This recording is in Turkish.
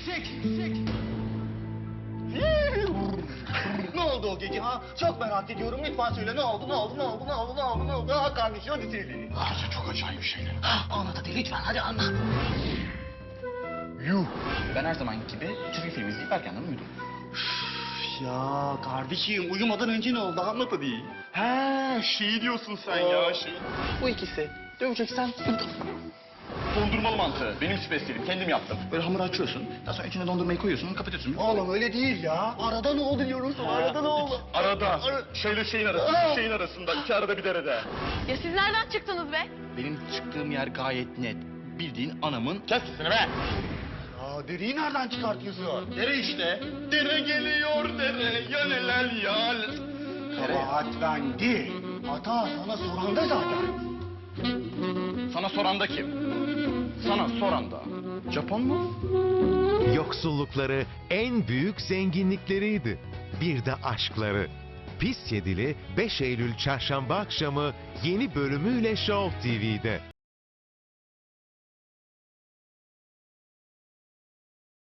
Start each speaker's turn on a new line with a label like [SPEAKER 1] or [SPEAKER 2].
[SPEAKER 1] Ne oldu o gece ha? Çok merak ediyorum. Lütfen söyle ne oldu? Ha kardeşim hadi söyle.
[SPEAKER 2] Gece çok acayip şeyler.
[SPEAKER 1] Anlat hadi lütfen hadi anlat.
[SPEAKER 2] Yuh. Ben her zaman gibi çizgi film izleyip erkenden uyudum.
[SPEAKER 1] Ya kardeşim uyumadan önce ne oldu? Anlat hadi.
[SPEAKER 2] He, şey diyorsun sen ya şey. Bu ikisi. Döveceksen dondurmalı mantı. Benim spesiyelim. Kendim yaptım. Böyle hamur açıyorsun. Daha sonra içine dondurmayı koyuyorsun, kapatıyorsun.
[SPEAKER 1] Oğlum öyle değil ya. Arada ne oldu diyorum sana. Arada ne oldu?
[SPEAKER 2] Arada. Şeyle şeyin arasında. Şeyin arasında. İki arada bir derede.
[SPEAKER 3] Ya siz nereden çıktınız be?
[SPEAKER 2] Benim çıktığım yer gayet net. Bildiğin anamın... Kes sesini be!
[SPEAKER 1] Ya deriyi nereden çıkartıyorsun?
[SPEAKER 2] Dere işte. Dere geliyor dere. Yalelel yal.
[SPEAKER 1] Kabahat ben değil. Hata sana soranda zaten.
[SPEAKER 2] Sana soran da kim? Sana soran da. Japon mu?
[SPEAKER 4] Yoksullukları en büyük zenginlikleriydi. Bir de aşkları. Pis Yedili 5 Eylül çarşamba akşamı yeni bölümüyle Show TV'de.